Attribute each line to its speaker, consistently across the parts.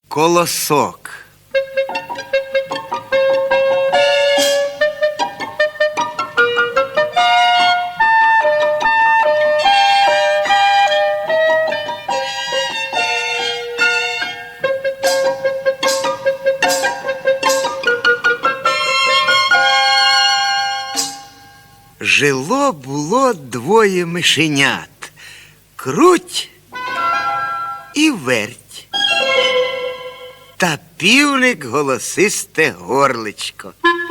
Speaker 1: Колосок. Жило-було двоє мишенят. Круть і верть. Та півник голосисте горличко.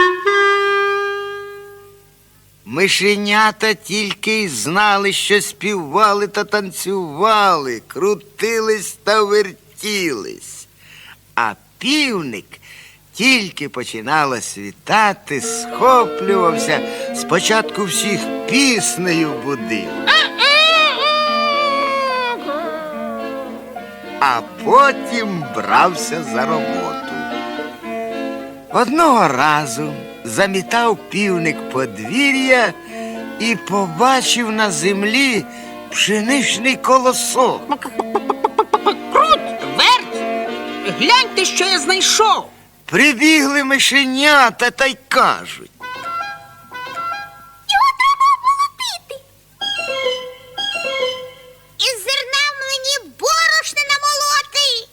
Speaker 1: Мишенята тільки й знали, що співали та танцювали, крутились та вертілись. А півник тільки починало світати, схоплювався, спочатку всіх піснею будив. А потім брався за роботу. Одного разу замітав півник подвір'я і побачив на землі пшеничний колосок.
Speaker 2: Круть, верть! Гляньте, що я знайшов!
Speaker 1: Прибігли мишенята та й кажуть:
Speaker 3: його треба обмолотити. Із зерна мені борошна намолоти.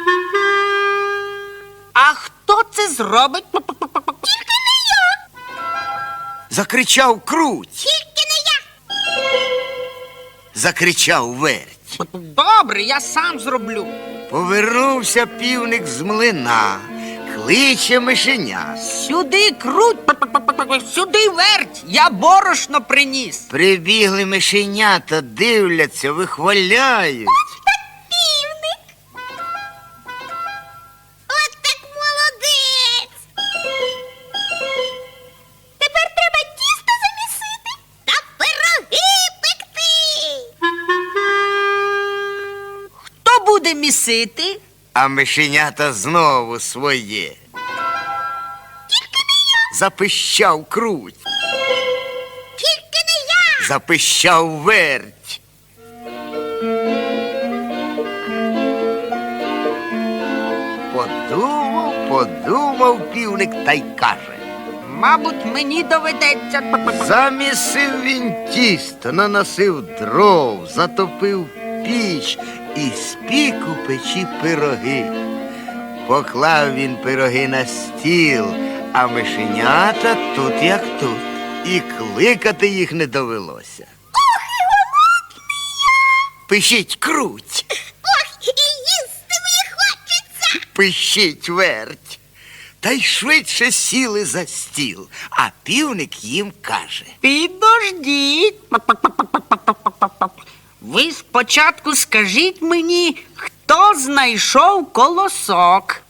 Speaker 2: А хто це зробить?
Speaker 3: Тільки не я.
Speaker 1: закричав круть,
Speaker 3: Тільки не я.
Speaker 1: закричав верть.
Speaker 2: Добре, я сам зроблю.
Speaker 1: Повернувся півник з млина, кличе мишеня.
Speaker 2: Сюди, круть, сюди, верть, я борошно приніс.
Speaker 1: Прибігли мишенята, дивляться, вихваляють.
Speaker 3: Півник. От так молодець. Тепер треба тісто замісити та пироги пекти.
Speaker 2: Хто буде місити?
Speaker 1: А мишенята знову своє.
Speaker 3: Тільки не я.
Speaker 1: Запищав круть,
Speaker 3: Тільки не я.
Speaker 1: запищав верть. Подумав півник та й каже:
Speaker 2: Мабуть, мені доведеться.
Speaker 1: замісив він тісто, наносив дров, затопив піч і спік у печі пироги. Поклав він пироги на стіл, а мишенята тут як тут. І кликати їх не довелося.
Speaker 3: Ох, і голодний я.
Speaker 1: Пишіть круть,
Speaker 3: Ох, і їсти мені хочеться.
Speaker 1: пишіть верть. Та й швидше сіли за стіл, а півник їм каже:
Speaker 2: Підождіть. Ви спочатку скажіть мені, хто знайшов колосок?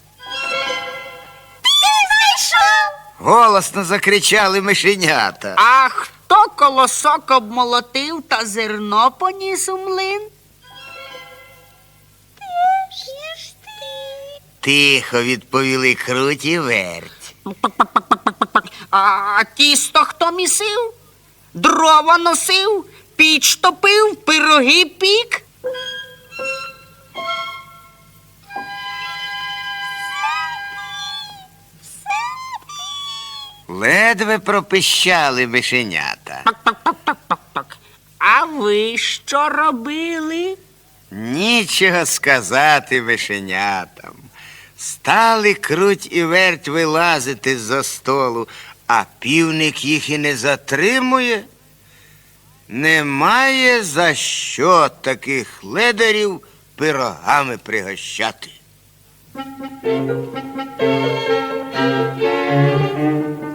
Speaker 3: Ти знайшов.
Speaker 1: голосно закричали мишенята.
Speaker 2: А хто колосок обмолотив та зерно поніс у млин?
Speaker 3: Ти ж ти.
Speaker 1: Тихо відповіли круть і верть.
Speaker 2: А тісто хто місив? Дрова носив? Піч топив? Пироги пік?
Speaker 1: Ледве пропищали мишенята.
Speaker 2: А ви що робили?
Speaker 1: Нічого сказати мишенятам. Стали круть і верть вилазити з-за столу, а півник їх і не затримує. Немає за що таких ледарів пирогами пригощати.